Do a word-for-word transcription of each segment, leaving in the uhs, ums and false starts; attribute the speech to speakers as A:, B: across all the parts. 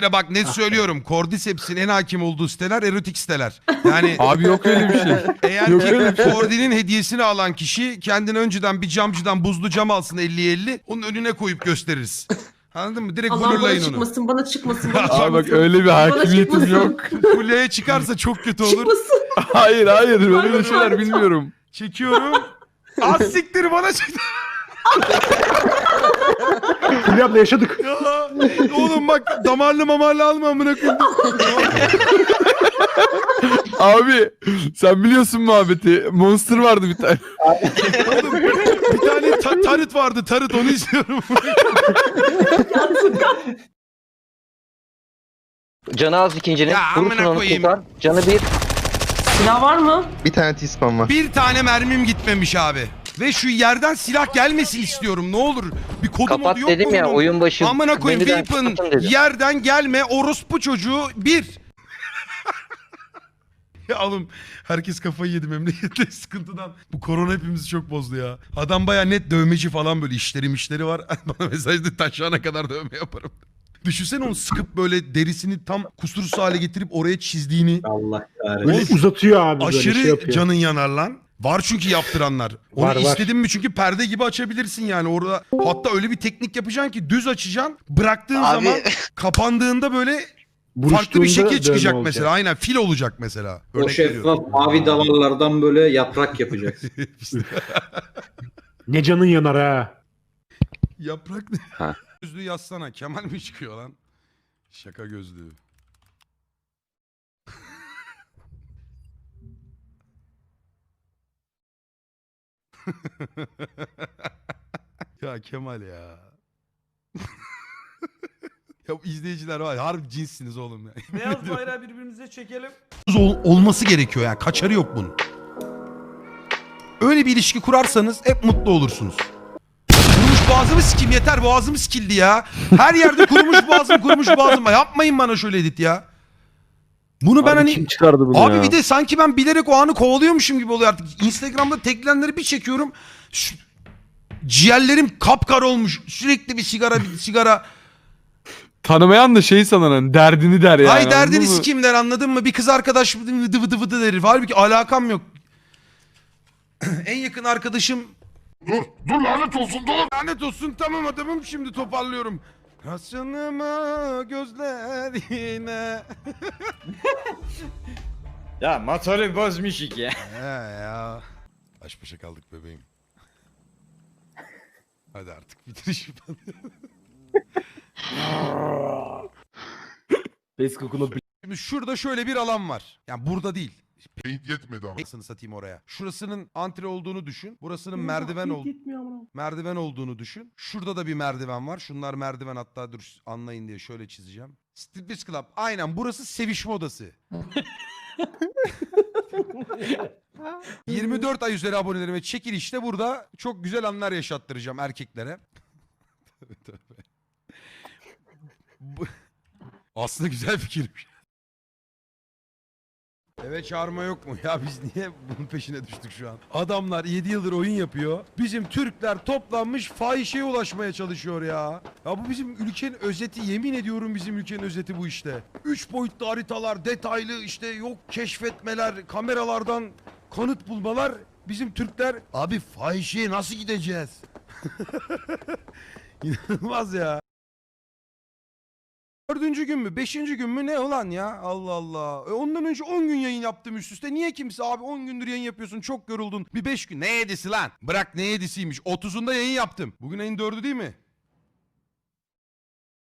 A: Bak net söylüyorum. Cordyceps'in en hakim olduğu siteler erotik siteler. Yani
B: Abi yok öyle bir şey.
A: eğer
B: Yok öyle bir
A: ki
B: şey.
A: Cordy'nin hediyesini alan kişi kendine önceden bir camcıdan buzlu cam alsın elli elli. Onun önüne koyup gösteririz. Anladın mı? Direkt
C: Allah bana
A: blurlayın onu.
C: çıkmasın, bana çıkmasın, bana
A: Abi
C: çıkmasın.
B: Abi bak öyle bir
C: Bana
B: hakimiyetim
C: çıkmasın.
B: yok.
A: Fulya'ya çıkarsa çok kötü olur.
C: Çıkmasın.
B: Hayır hayır böyle
C: Pardon,
B: şeyler
C: pardon.
B: bilmiyorum.
A: Çekiyorum. Az siktir bana çıktı.
D: Fulya abla yaşadık.
A: Ya, oğlum bak damarlı mamarlı alma amına koyayım.
B: Abi sen biliyorsun muhabbeti. Monster vardı bir tane.
A: Oğlum bir tane ta- tarıt vardı tarıt onu istiyorum.
E: Canı az ikincinin.
A: Ya,
E: Vurursun
A: amına
E: onu
A: koyayım.
E: kurtar. Canı bir.
C: Silah var mı?
F: Bir tane T-spam var.
A: Bir tane mermim gitmemiş abi. Ve şu yerden silah gelmesin istiyorum ne olur. Bir kodu
E: Kapat
A: modu yok
E: dedim
A: mu
E: ya
A: bunun?
E: oyun başı.
A: Amına koyayım
E: menüden
A: Weapon
E: kapatın dedim.
A: yerden gelme orospu çocuğu bir. Ya oğlum herkes kafayı yedi memlekette sıkıntıdan. Bu korona hepimizi çok bozdu ya. Adam baya net dövmeci falan böyle işleri mişleri var. Bana mesajda taşağına kadar dövme yaparım. Düşünsene onu sıkıp böyle derisini tam kusursuz hale getirip oraya çizdiğini.
G: Allah kahretsin.
D: Böyle uzatıyor abi böyle
A: Aşırı
D: şey yapıyor.
A: canın yanar lan. Var çünkü yaptıranlar. Onu
D: Var, var.
A: istedin mi çünkü perde gibi açabilirsin yani orada. Hatta öyle bir teknik yapacaksın ki düz açacaksın. Bıraktığın
E: Abi.
A: zaman kapandığında böyle farklı bir
D: Buruştuğunda
A: şekil
D: dövme
A: çıkacak
D: olacak.
A: mesela. Aynen fil olacak mesela.
G: O
A: Örnek veriyorum.
G: şeffaf mavi damarlardan böyle yaprak yapacaksın.
D: Ne canın yanar ha.
A: Yaprak ne?
E: Ha.
A: Gözlüğü yazsana. Kemal mi çıkıyor lan? Şaka gözlüğü. Ya Kemal ya. Ya bu izleyiciler var ya, harbi cinssiniz oğlum ya.
H: Beyaz bayrağı birbirimize çekelim.
A: Ol- olması gerekiyor yani. Kaçarı yok bunun. Öyle bir ilişki kurarsanız hep mutlu olursunuz. Kurumuş boğazımı sikeyim yeter boğazım sikildi ya. Her yerde kurumuş boğazım kurumuş boğazım. Yapmayın bana şöyle edit ya. Bunu ben
B: Abi
A: hani...
B: kim çıkardı bunu
A: Abi
B: ya?
A: bir de sanki ben bilerek o anı kovalıyormuşum gibi oluyor artık. Instagram'da teklenleri bir çekiyorum. Şu- ciğerlerim kapkara olmuş. Sürekli bir sigara bir sigara.
B: Tanımayan da şey sanan hani derdini der yani.
A: Hay derdini
B: anladın mı?
A: sikeyim der anladın mı? Bir kız arkadaş vıdı vıdı vıdı der. Halbuki alakam yok. En yakın arkadaşım... Dur, dur lanet olsun dur. Lanet olsun tamam adamım şimdi toparlıyorum. Hasyanıma gözlerine.
H: Ya motoru bozmuş iki.
A: He ya. Baş başa kaldık bebeğim. Hadi artık bitir işi.
H: Pes kokulu
A: Şimdi şurada şöyle bir alan var. Yani burada değil.
I: Paint yetmedi ama.
A: Anasını satayım oraya. Şurasının antre olduğunu düşün. Burasının merdiven ol merdiven olduğunu düşün. Şurada da bir merdiven var. Şunlar merdiven hatta dur anlayın diye şöyle çizeceğim. Striptease Club. Aynen burası sevişme odası. yirmi dört ay üzeri abonelerime çekilişte burada çok güzel anlar yaşattıracağım erkeklere. Tövbe tövbe. Bu- Aslında güzel fikirmiş. Eve çağırma yok mu? Ya biz niye bunun peşine düştük şu an? Adamlar yedi yıldır oyun yapıyor. Bizim Türkler toplanmış fahişeye ulaşmaya çalışıyor ya. Ya bu bizim ülkenin özeti. Yemin ediyorum bizim ülkenin özeti bu işte. Üç boyutlu haritalar, detaylı işte yok keşfetmeler, kameralardan kanıt bulmalar. Bizim Türkler abi fahişeye nasıl gideceğiz? İnanılmaz ya. Dördüncü gün mü? Beşinci gün mü? Ne ulan ya? Allah Allah. E ondan önce on gün yayın yaptım üst üste. Niye kimse abi on gündür yayın yapıyorsun çok yoruldun. Bir beş gün. Ne yedisi lan? Bırak ne yedisiymiş. otuzunda yayın yaptım. Bugün ayın dördü değil mi?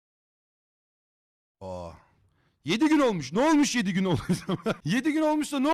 A: Aa. Yedi gün olmuş. Ne olmuş yedi gün olmuş? Yedi gün olmuşsa ne